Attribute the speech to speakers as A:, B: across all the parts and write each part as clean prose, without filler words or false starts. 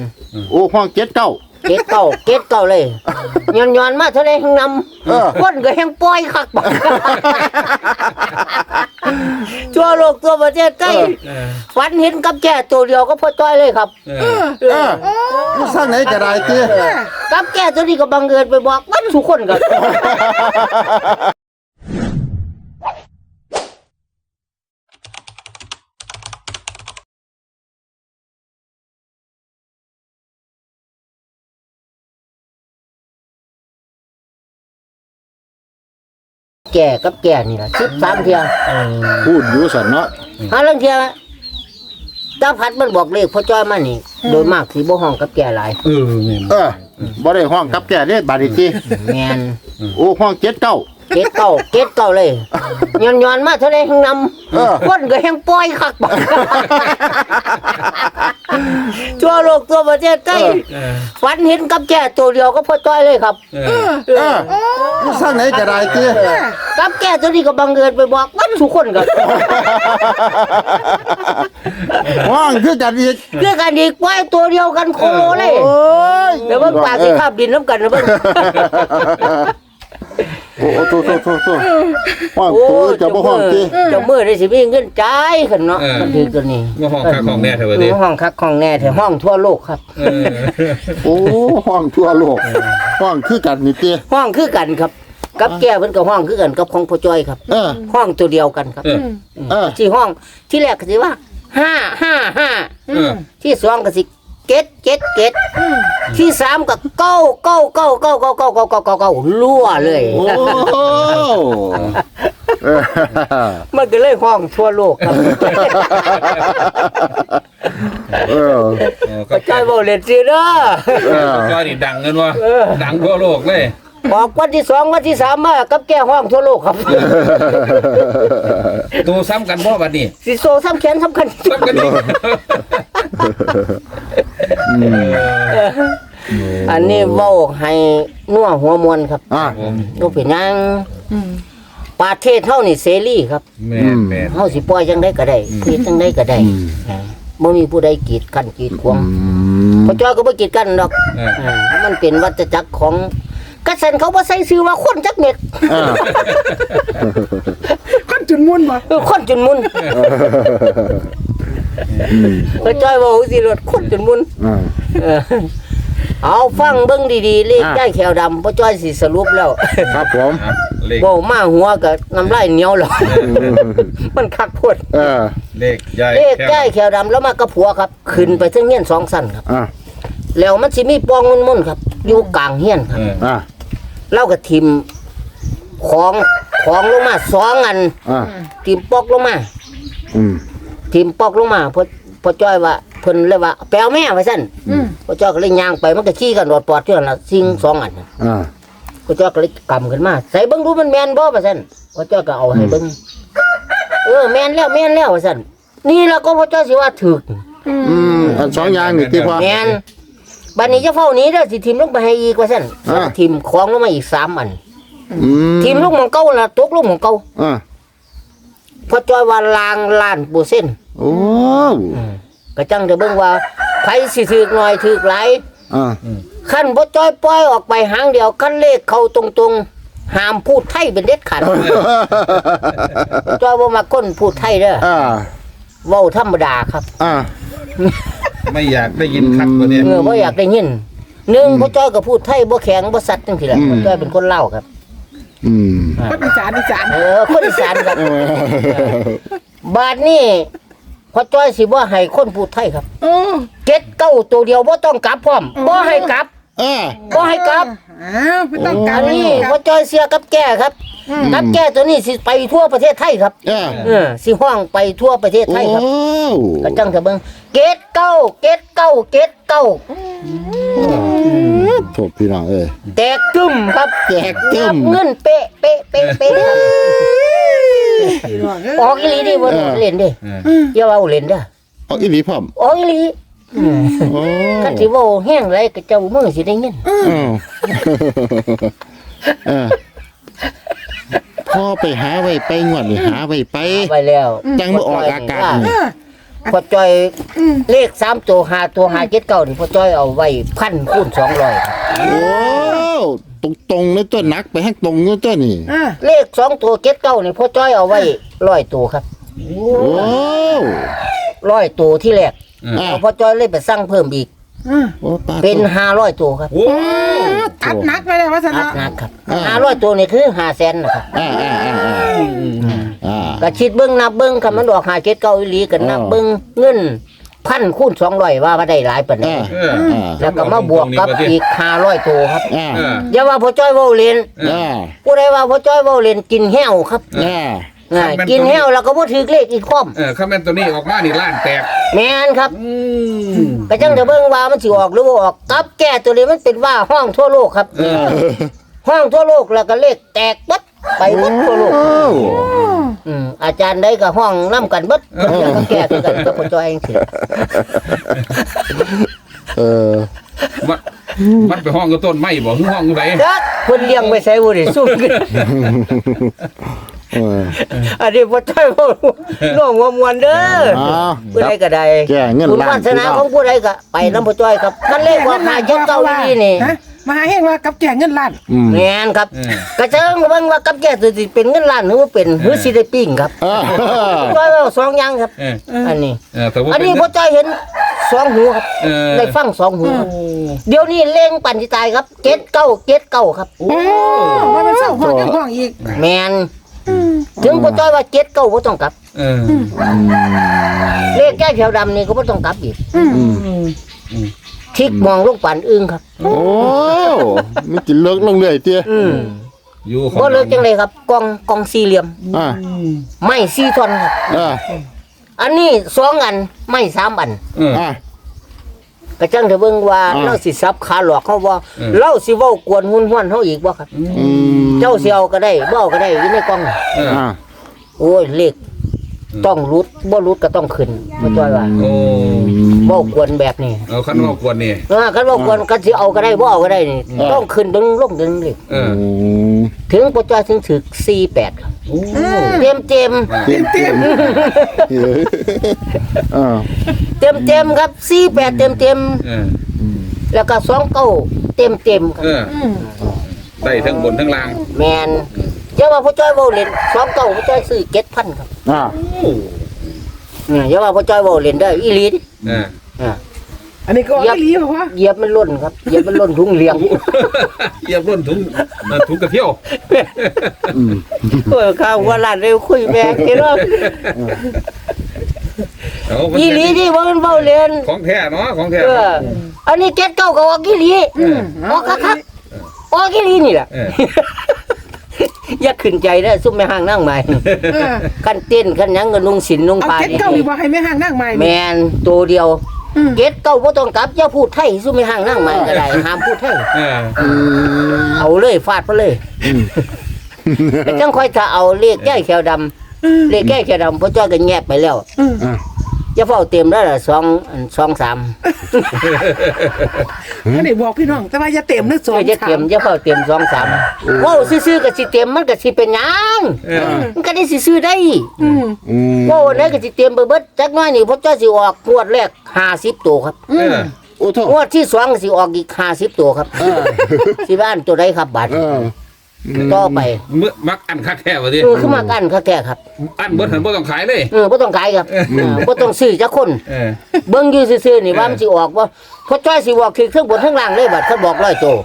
A: โอ้ห้อง7 9
B: เก็ดเก่าเลยย้อนมาเท่าไรแห่งนำคนก็แห่งปล่อยคักบักทั่วโลกทั่วประเทศไทยฝันเห็นกับแก่ตัวเดียวก็พอจ้อยเลยครับ
A: สร้างไหนก็ได้ติ
B: กับแก่ตัวนี้ก็บังเอิญไปบอกมันทุกคนครับแก่กับแก่นี่ล่ะ13เที่ย
A: พูดอยู่ซั่นเนาะ
B: หาลังเที่ยตาพัดมันบอกเลขพ่อจ้อยมานี่โดยมากสิบ่ห้องกับแก่หลาย
A: บ่ได้ห้องกับแก่เด้บาดนี้ติ
B: แม่น
A: โอ้ห้อง7 9
B: เก็ดเก่าเลยย้อนมาเท่าไรแห่งนำคนก็แห่งปล่อยคักบักทั่วโลกทั่วประเทศไทยฝันเห็นกับแก่ตัวเดียวก็พอจ้อยเลยครับ
A: สร้างไหนก็ได้ติ
B: กับแก่ตัวนี้ก็บังเอิญไปบอกมันทุกคนครับ
A: ห้องคือกันอีก
B: คือกันอีกปล่อยตัวเดียวกันโคโลเลยเดี๋ยวเบิ่งปากสิคาบดินน้ำกันนะเบิ่ง
A: โอ้โตห้องตัวจะบ่ห้องติ
B: เจ้ามือได้สิมีเงินจ่ายคั่นเนาะมันถือตัวนี้
C: ห้องคักของแน่แท้ว่าติ
B: ห้องคักของแน่แท้ห้องทั่วโลกครับ
A: โอ้ห้องทั่วโลกห้องคือกันนี่ติ
B: ห้องคือกันครับกับแก้เพิ่นก็ห้องคือกันกับของพ่อจ้อยครับห้องตัวเดียวกันครับที่ห้องที่แรกก็สิว่า555ที่2ก็สิเก็ดที่3ก็9รั่วเลยมันก็เลยห้องทั่วโลกครับพ่อจ้อยบ่เล่นซื่อเด้อ
C: จ้อยนี่ดังเงินวะดังทั่วโลกเลย
B: บอกวันที่2วันที่3มากับแก้ห้องทั่วโลกครับ
C: ตัวซ้ำกันบ่บัดนี้
B: สิโซซ้ำแขนสำคัญอันนี้เว้าให้นัวหัวมวนครับบ่เป็นหยังประเทศเฮานี่เสรีครับ
C: แม่
B: เฮาสิปล่อยจังได๋ก็ได้คิดจังได๋ก็ได้บ่มีผู้ใดกีดกันกีดขวางพ่อจ้อยก็บ่กีดกันดอกมันเป็นวัฏจักรของกษัตริย์เขาบ่ใส่ชื่อว่าคนจักเม็ด
D: คนจุนมุนบ่
B: คนจุนมุนพ่อจ้อยว่าสิรถคนจุนมุนเอาฟังเบิ่งดีๆเลขได้แขวดำพ่อจ้อยสิสรุปแล้ว
A: ครับผม
B: บ่มาหัวก็น้ำลายเหนียวแล้วมันคักโพด
C: เลข
B: ได้แขวดำแล้วมากับผัวครับขึ้นไปถึงเฮียน2ชั้นครับแล้วมันสิมีปองมุ่นๆครับอยู่กลางเฮียนครับเราก็ทิ่มของลงมา2อันทิ่มปอกลงมาทิ่มปอกลงมาพ่อจ้อยว่าเพิ่นเลยว่าแปลวแม่ว่าซั่นพ่อจ้อยก็เลยย่างไปมันก็ขี้กันรอดปอดอยู่นั่นล่ะสิ่ง2อันพ่อจ้อยก็เลยกำขึ้นมาใส่เบิ่งดูมันแม่นบ่ว่าซั่นพ่อจ้อยก็เอาให้เบิ่งแม่นแล้วว่าซั่นนี่ล่ะก็พ่อจ้อยสิว่าถูก
A: อัน2อย่างนี่ติพ่อ
B: แม่นบัดนี้จะเฝ้านี้เด้อสิทิ่มลงไปให้อีกว่าซั่นทิ่มของลงมาอีก3อันทิ่มลงหม่องเก่าล่ะตกลงหม่องเก่าพ่อจ้อยว่าล้างล้านเปอร์เซ็นต์
A: โอ้
B: ก็จังจะเบิ่งว่าไผสิถูกน้อยถูกหลายคันบ่จ้อยปล่อยออกไปหางเดียวคันเลขเข้าตรงๆห้ามพูดไทยเป็นเด็ดขาดจ้อยบ่มักคนพูดไทยเด้อเว้าธรรมดาครับ
C: ไม่อยากได้ยินคักตัวนี้
B: บ่อยากได้ยิน1พ่อจ้อยก็พูดไทยบ่แข็งบ่สัตว์จังซี่แหละพ่อจ้อยเป็นคนลาวครับ
D: คนอีสาน
B: คนอีสานครับบาดนี้พ่อจ้อยสิบ่ให้คนพูดไทยครับเก็ดเก้าตัวเดียวบ่ต้องกลับพร้อมบ่ให้กลับบ่ให้กลับ
D: ไม่ต้องกลับ
B: อันนี้พ่อจ้อยเสียกับแก่ครับกับแก่ตัวนี้สิไปทั่วประเทศไทยครับสิห้องไปทั่วประเทศไทยครับก็จังจะเบิ่งเก็ดเก้า
A: โทษพี่น้อง
B: แตกกึ้มครับ
A: แตกกึ้ม
B: เงินเป๊ะออกอีหลีดิบ่เล่นดิอย่าเอาเล่นเด้อ
A: ออกอีหลีพร้อม
B: ออกอีหลีคันสิเว้าแห้งไรก็เจ้ามือสิได้เงิน
A: พ่อไปหาไว้ไปงวดนี่หาไว้ไป
B: แล้ว
A: จังบ่ออกอากาศ
B: พ่อจ้อยเลข3ตัว5ตัว5 7 9นี่พ่อจ้อยเอาไว้1,000 คูณ 200ครับ
A: โอ้ตรงๆเลยตัวหนักไปให้ตรงเลยตัวนี่
B: เลข2ตัว7 9นี่พ่อจ้อยเอาไว้100ตัวครับ
A: โอ้
B: 100ตัวที่แรก
A: อ่า
B: พ่อจ้อยเลยไปสั่งเพิ่มอีก
A: โอ้ปลา
B: เป็น500ตัวครับ
C: โอ้
D: อัดหนักไปเลยว่าส
B: อั
D: นะ
B: ดหนักครับ500ตัวนี่คือ500,000นะครับ ก็คิดเบิ่งนับเบิ่งคันมันออก5 7 9อีหลีก็นับเบิ่งเงิน1,000 คูณ 200ว่าได้หลายปานนี้แล้วก็มาบวกกับอีก500ตัวครับอย่าว่าพ่อจ้อยเว้าเล่นผู้ใดว่าพ่อจ้อยเว้าเล่นกินแห้วครับกินแห้วแล้วก็บ่ถูกเลขอีกคอม
C: ข้าแม่นตัวนี้ออกมานี่ล้านแตก
B: แม่นครับก็จังจะเบิ่งว่ามันสิออกหรือบ่ออกกับแก้ตัวนี้มันเป็นว่าห้องทั่วโลกครับห้องทั่วโลกแล้วก็เลขแตกเบิดไปหมดทั่วโลกอาจารย์ใดก็ห้องนํกันเบิดเพิ่นก็แก้คือกันกับพ่อจ้อยจังซี่
C: มันไปห้องกับต้นไม้บ่ห้องไหน
B: จักเพิ่นเลี้ยงไว้ใส่บ่ได้สู้กันอันนี้พ่อจ้อยเว้าน้องว่ามวนเด้อผู้ใดก็ได้
A: แก้เงิน
B: คุณ
A: ล้าน
B: วาสนาของผู้ใดก็ไปนำพ่อจ้อยครับคันเลขว่า5 7 9นี่นี่
D: มาหาเฮงว่ากับแก่เงินล้าน
B: แม่นครับกระเจิงเบิ่งว่ากับแก่สิเป็นเงินล้านหรือว่าเป็นหรือสิได้ปิ้งครับจ้อยเว้าสองอย่างครับอันนี้อันนี้พ่อจ้อยเห็น2หูครับได้ฟัง2หูครับเดี๋ยวนี้เล่งปั่นสิตายครับ7979ครับ
D: โอ้ว่ามันเศร้าห้องยังห้องอีก
B: แม่นถึงพ่อจ้อยว่า79บ่ต้องกลับเลขแก้เขียวดำนี่ก็บ่ต้องกลับอีกทิกมองลูกปั่นอึ้งครับ
A: โอ้มันกินเลิกลงเรื่อยเตี้ย
C: อยู่ของ
B: บ่เลิกจังได๋ครับกองสี่เหลี่ยม ไม้4ท่อนครับอันนี้2อันไม้3อันก็จังจะเบิ่งว่าเราสิซับขาหลอกเขาบ่เราสิเว้ากวนหุ่นห้วนเฮาอีกบ่ครับเจ้าสิเอาก็ได้บ่เอาก็ได้อยู่ในกล่องโอ้ยเลขต้องรุดบ่รุดก็ต้องขึ้นบ่จ้อยว่า
C: โอ้
B: บ่กวนแบบนี้
C: เอาคันว่ากวนนี่
B: คันบ่กวนก็สิเอาก็ได้บ่เอาก็ได้นี่ต้องขึ้นดึงลงดึงเลย ถึงบ่จ้อยถึงถึก48ครับเต็ม
A: เต็ม
B: ครับ48เต็มแล้วก็29เต็มครับ
C: ได้ทั้งบนทั้งล่าง
B: แม่นอย่าว่าพ่อจ้อยเว้าเล่น29พ่อจ้อยซื้อ 7,000 ครับอย่าว่าพ่อจ้อยเว้าเล่นได้อีหลีดิ
D: อันนี้ก็ไม่รีบว่า
B: เหยียบมันล้นครับเหยียบมันล้นถุงเลี้ยง
C: เหยียบร่นถุงกระเที่ยว
B: โอ้ยข้าวว่าร้านเร็วคุยแม่งเนาะอีหลีดิบ่มันเว้าเล่น
C: ของแท้เนาะของแท้
B: อันนี้79ก็ออกอีหลีออกคักๆออกอีหลีนี่ล่ะอย่าขึ้นใจเด้อซุ่มแม่ห้างนั่งใหม่คันเต้นคันหยังก็นุ่งสินนุ่ง
D: เอา
B: ผ้า
D: เก็ตเก้าอีกว่าให้แม่ห้างนั่งใหม่
B: แม่นตัวเดียวเก็ดเก้าบ่ต้องกลับอย่าพูดไทยซุ่มแม่ห้างนั่งใหม่ก็ได้ห้ามพูดไทยเอาเลยฟาดไปเลยแต่จังค่อยถ้าเอาเลขแก้แขวดำเลขแก้แขวดำพ่อจ้อยก็แงบไปแล้วอย่าเฝ้าเต็มแล้วล่ะ2 3
D: อันนี้บอกพี่น้องแต่ว่าอย่าเต็มนึก2
B: อย่าเต็มอย่าเฝ้าเต็ม2 3ว้าวซื่อๆก็สิเต็มมันก็สิเป็นหยังมันก็ได้สิซื้อได้ว้าวไหนก็สิเต็มเบิดจักหน่อยนี่พ่อจ้อยสิออกงวดแรก50ตัวครับ
A: โอ้โถ
B: งวดที่2ก็สิออกอีก50ตัวครับสิบ้านตัวใดครับบัดต่อไป
C: มักอันคักแท้ว่าดิ
B: คือมากันคักแท้ครับ
C: อันเบิดหันบ่ต้องขายเลย
B: บ่ต้องขายครับบ่ต้องซื้อจักคนเบิ่งอยู่ซื่อๆนี่ว่ามันสิออกบ่พอจ้อยสิบอกคือเครื่องบนข้างล่างเลยบัดเขาบอก100ตัว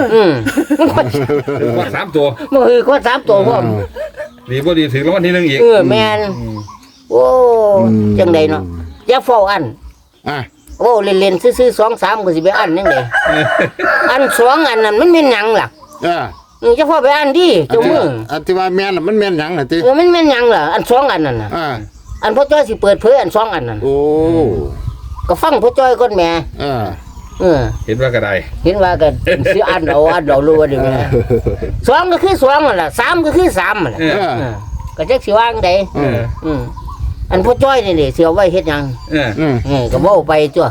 C: ว่า3ตัว
B: มันคือคน3ตัวพร้อม
C: ดีบ่ดีถึงรางวัลที่1อีก
B: แม่นโอ้จังได๋เนาะอย่าเฝ้าอันโอ้เล่นๆซื่อๆ2 3ก็สิไปอันจังได๋อัน2อันนั้นมันแม่นหยังล่ะจะพอไปอันดิเจ้ามือ
A: อธิบายแม่นมันแม่นหยังล่ะติ
B: มันแม่นหยังล่ะอัน2อันนั่นน่ะอันพ่อจ้อยสิเปิดเผยอัน2อันนั่น
A: โอ้
B: ก็ฟังพ่อจ้อยก่อนแม่
C: เห็นว่าก็ได้
B: เห็นว่ากันสิอันเอารู้ว่าดิแม่2ก็คือ2นั่นล่ะ3ก็คือ3นั่นแหละก็จักสิว่าจังได๋อันพ่อจ้อยนี่สิเอาไว้เฮ็ดหยังก็เว้าไปจ้ะ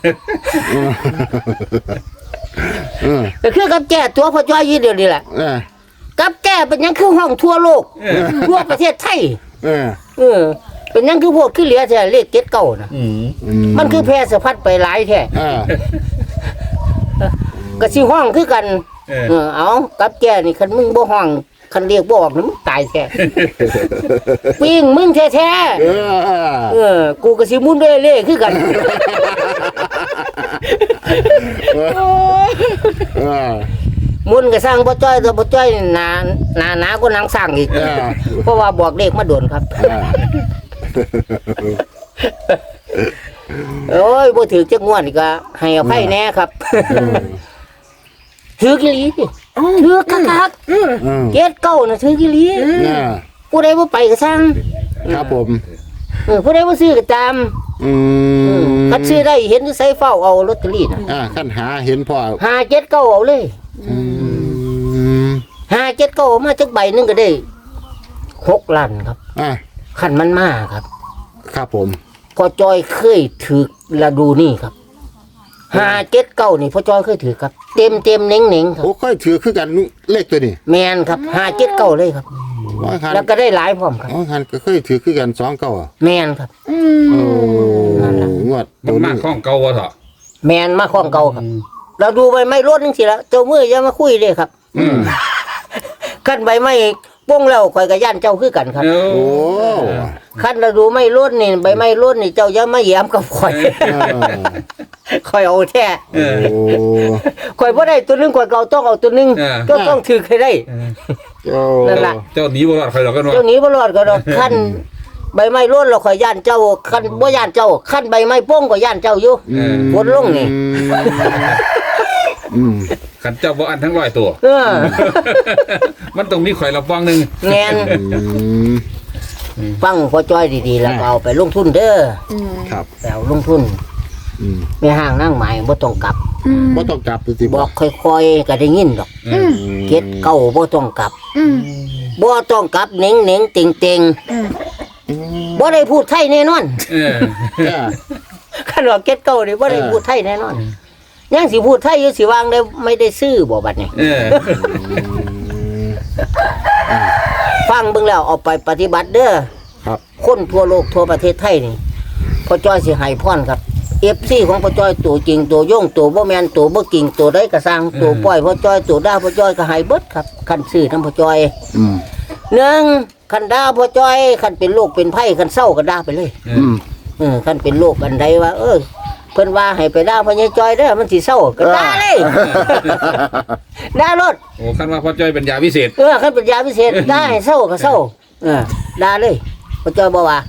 B: ก็คือกับแก้ตัวพ่อจ้อยอยู่เดียวนี่แหละกับแก้เป็นหยังคือห้องทั่วโลกทั่วประเทศไทยเป็นหยังคือโพดคือเหลือแท้เลขเจ็ดเก้านะ
C: อืม
B: มันคือแพร่สะพัดไปหลายแท้
A: อ่า
B: ก็สิห้องคือกัน เอากับแกนี่คันมึงบ่ห้องคันเรียกบ่ออกนี่มึงตายแท้ปิ้งมึงแท้
A: เออ
B: กูก็สิมุนด้วยเล่คือกัน
A: เออ
B: มุนก็สร้างบ่จ้อยแต่บ่จ้อยหนาก็นางสร้างอีก
A: เออ
B: เพราะว่าบอกเลขมาโดนครับ
A: อ่า
B: โอ้ยบ่ถือจักงวดนี่ก็ให้อภัยแน่ครับถือกี่ลีติถือคัก
A: อืม
B: ๆเจ็ดเก้าน่ะถือกี่ลี
A: อ่า
B: ผู้ใดบ่ไปก็สร้าง
A: ครับผม
B: ผู้ใดบ่ซื้อก็ตาม
A: อืม
B: คันซื้อได้เห็นอยู่ไสเฝ้าเอาลอตเตอรี่น่ะ
A: ขั้นหาเห็นพ่อ
B: 5 7 9เอาเลย
A: อืม
B: 5 7 9มาจักใบหนึงก็ได้6ล้านครับ
A: อ่า
B: คันมันมาครับ
A: ครับผม
B: พอจอยเคยถือฤดูนี่ครับ5 7 9นี่พอจอยเคยถือครับ เต็มเน่งๆครับ
A: โอ้ค่อยถือคือกันเลขตัวนี้
B: แมนครับ5 7 9เลยครับ
A: ว่าคัน
B: แล้วก็ได้หลายพร้อมครับ
A: ว่าคันก็เคยถือคือกัน2 9อ่ะ
B: แมนครับ
A: โอ้งวด
C: มั
A: ตั
C: น
A: ว
C: มา
A: นี้
C: ข้องเก่าวะเถอะ
B: แมนมาของเก่าครับ เราดูใบไม้รดนึงสิละเจ้ามืออย่ามาคุยเลยครับ
C: อืม
B: ขั้นใบไม้ป้งแล้วข่อยกับย่านเจ้าคือกันครับ
C: โอ้
A: โอ้
B: ขั้นเราดูไม่รดนี่ใบไม้รดนี่เจ้าอย่ามาแย้มกับข่อย
A: เออ
B: ข่อยเอาแท้
A: โอ้
B: ข่อยบ่ได้ตัวหนึงข่อยก็เอาต้องเอาตัวหนึงก็ต้องถือให้ได้
A: โอ้
B: นั่นล่ะ
C: เจ้าหนีบ่รอดใครหรอกกันวะ
B: เจ้าหนี้บ่รอดก็ดอกขั้นใบไม้รดเราข่อยย่านเจ้าขั้นบ่ย่านเจ้าขั้นใบไม้ป้งก็ย่านเจ้าอยู่ กดลงนี่
A: อืม
C: ขันเจ้าบ่อันทั้งร้อยตัว
B: เออ
C: มันต้องมีข่อยละฟังหนึ่ง
B: แม่น
A: อืม
B: ฟังพอจ้อยดีๆแล้วก็เอาไปลงทุนเด้อ
A: ครับ
B: ไปเอาลงทุน
A: อืม
B: ไม่ห่างนั่งหมายบ่ต้องกลับ
A: บ่ต้องกลับสิ
B: บอกค่อยๆก็ได้ยินดอก เก็ดเก้าบ่ต้องกลับบ่ต้องกลับเน่งๆเต็งๆบ่ได้พูดไทยแน่นอน
C: เออ
A: อ่า
B: คันว่าเก็ดเก้านี่บ่ได้พูดไทยแน่นอนยังสิพูดไทยอยู่สิวางได้ไม่ได้ซื้อบ่บัดนี้
C: เออ
B: ฟังเบิ่งแล้วเอาไปปฏิบัติเด้อ
A: ครับ
B: คนทั่วโลกทั่วประเทศไทยนี่พ่อจ้อยสิให้พรครับ FC ของพ่อจ้อยตัวจริงตัวย่งตัวบ่แม่นตัวบ่กิ่งตัวใดก็สร้างตัวปล่อยพ่อจ้อยตัวด่าพ่อจ้อยก็ให้เบิดครับคันซื้อนำพ่อจ้อย
A: อืม
B: หนึ่งคันด่าพ่อจ้อยคันเป็นโรคเป็นไข้คันเศร้าก็ด่าไปเลย
A: อืม
B: คันเป็นโรคอันใดว่าเพิ่นว่าให้ไปด่าพ่อใหญ่จ้อยเด้อมันสิเศร้าก็ด่าเลยด่ารถ
C: โอ้คันว่าพ่อจ้อยเป็นยาพิเศษ
B: คันเป็นยาพิเศษด่าให้เศร้าก็เศร้าด่าเลยพ่อจ้อยบ่ว่า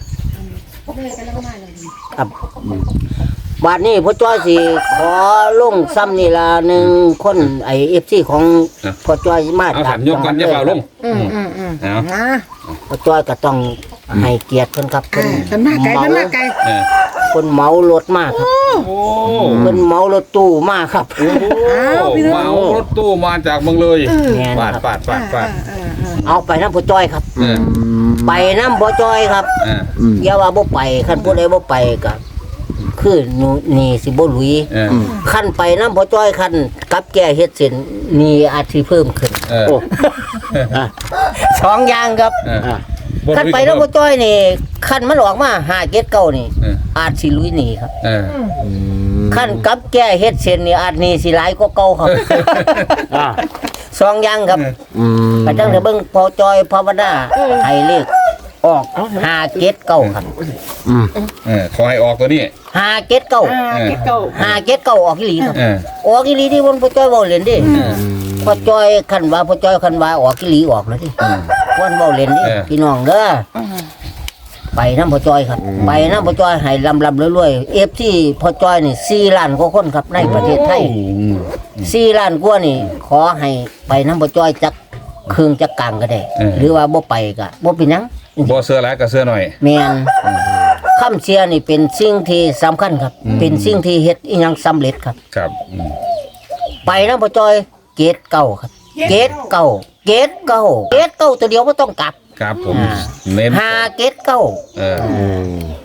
B: ครับบาดนี้พ่อจ้อยสิขอลงซ้ำนี่ละ1คนไอ้ FC ของพ่อจ้อยมา
C: เอาขันยกกันอย่าเปล่าลงเอา
D: นะ
B: พ่อจ้อยก็ต้องให้เกียรติเพิ่นครับเพิ่น
D: มันมาไกลมันมาไกล
C: เออ
B: เพิ่นเหมารถมาครับ
C: โอ้
B: เพิ่นเหมารถตู้มาครับ
C: เมารถตู้มาจากเมืองเลย
B: แม่น
C: ปาด
B: ครับ
C: ปาด
B: เอาไปน้ำพ่อจ้อยครับ
C: เออ
B: ไปน้ำพ่อจ้อยครับ
C: เออ
A: อืม
B: อย่าว่าบ่ไปคันผู้ใดบ่ไปก็คือหนูนี่สิบ่หลุย
C: เออ
B: คันไปน้ำพ่อจ้อยคันกับแก้เฮ็ดเส้นนี่อาจสิเพิ่มขึ้น
C: เออ
A: โอ้อ่ะ
B: สองอย่างครับ
C: เออ
A: อ่ะ
B: คันไปน้ำพ่อจ้อยนี่คันมันออกมา5 7 9นี่
C: เออ
B: อาจสิหลุยหนีครับ
C: เออ
A: อืม
B: คันกับแก้เฮ็ดเส้นนี่อาจหนี่สิหลายกว่าเก่าครับ
A: อ่ะ
B: สองอย่างครับ
A: อืม
B: ไปจังเถอะเบิ่งพ่อจ้อยภาวนาให้เลขออก5 7 9ครับ
A: อืม
C: เออขอให้ออกตัวนี้
B: 5 7 9
D: เก็ดเก่า
B: 5 7 9ออกอีหลีครับ
C: เออ
B: ออกอีหลีที่วันพ่อจ้อยเว้าเล่นดิ
C: เออ
B: พ่อจ้อยคันว่าพ่อจ้อยคันว่าออกอีหลีออกแล้วดิวันเว้าเล่นดิ
C: เออ
B: พี่น้องเด้อไปน้ำพ่อจ้อยครับ ไปน้ำพ่อจ้อยให้ลำรวยๆ FC พ่อจ้อยนี่4ล้านกว่าคนครับในประเทศไทย4ล้านกว่านี่ขอให้ไปน้ำพ่อจ้อยจักครึ่งจักกลางก็ได้ หรือว่าบ่ไปก็บ่เป็นหยัง
C: บ่เสื้อหลายกับเสื้อหน่อย
B: แม่นคำเชียร์นี่เป็นสิ่งที่สำคัญครับ เป็นสิ่งที่เฮ็ดอีหยังสำเร็จครับ
C: ครับ
B: ไปน้ำพ่อจ้อยเกตเก่าครับ เกตเก่าเกตเก่าเกตเก่าตัวเดียวบ่ต้องกลับ
C: ครับผมเน้น
B: 5เกตเก่า
C: เออ
A: อืม